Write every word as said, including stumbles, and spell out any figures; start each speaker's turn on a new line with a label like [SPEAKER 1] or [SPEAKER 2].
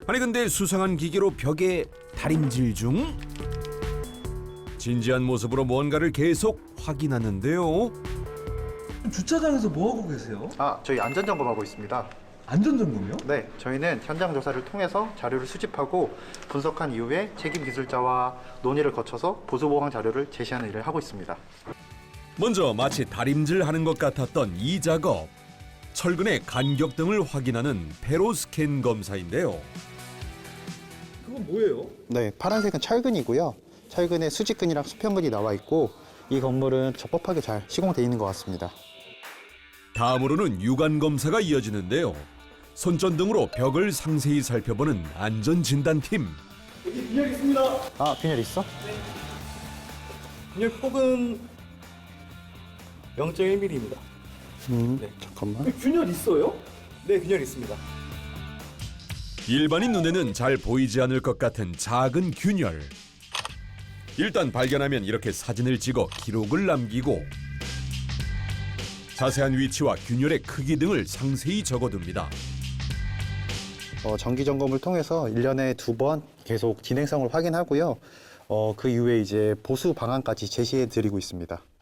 [SPEAKER 1] 아니 근데 수상한 기계로 벽에 다림질 중? 진지한 모습으로 뭔가를 계속 확인하는데요.
[SPEAKER 2] 주차장에서 뭐 하고 계세요?
[SPEAKER 3] 아, 저희 안전점검하고 있습니다.
[SPEAKER 2] 안전점검이요?
[SPEAKER 3] 네, 저희는 현장 조사를 통해서 자료를 수집하고 분석한 이후에 책임 기술자와 논의를 거쳐서 보수보강 자료를 제시하는 일을 하고 있습니다.
[SPEAKER 1] 먼저 마치 다림질하는 것 같았던 이 작업. 철근의 간격 등을 확인하는 페로스캔 검사인데요.
[SPEAKER 2] 그건 뭐예요?
[SPEAKER 3] 네, 파란색은 철근이고요. 철근에 수직근이랑 수평근이 나와 있고 이 건물은 적법하게 잘 시공되어 있는 것 같습니다.
[SPEAKER 1] 다음으로는 유관 검사가 이어지는데요. 손전등으로 벽을 상세히 살펴보는 안전진단팀.
[SPEAKER 2] 여기 빈혈 있습니다.
[SPEAKER 3] 아, 빈혈 있어?
[SPEAKER 2] 빈혈 폭은 영 점 일 밀리미터입니다.
[SPEAKER 3] 음,
[SPEAKER 2] 네.
[SPEAKER 3] 잠깐만.
[SPEAKER 2] 균열 있어요? 네, 균열 있습니다.
[SPEAKER 1] 일반인 눈에는 잘 보이지 않을 것 같은 작은 균열. 일단 발견하면 이렇게 사진을 찍어 기록을 남기고 자세한 위치와 균열의 크기 등을 상세히 적어둡니다.
[SPEAKER 3] 어, 정기 점검을 통해서 일 년에 두 번 계속 진행성을 확인하고요. 어, 그 이후에 이제 보수 방안까지 제시해 드리고 있습니다.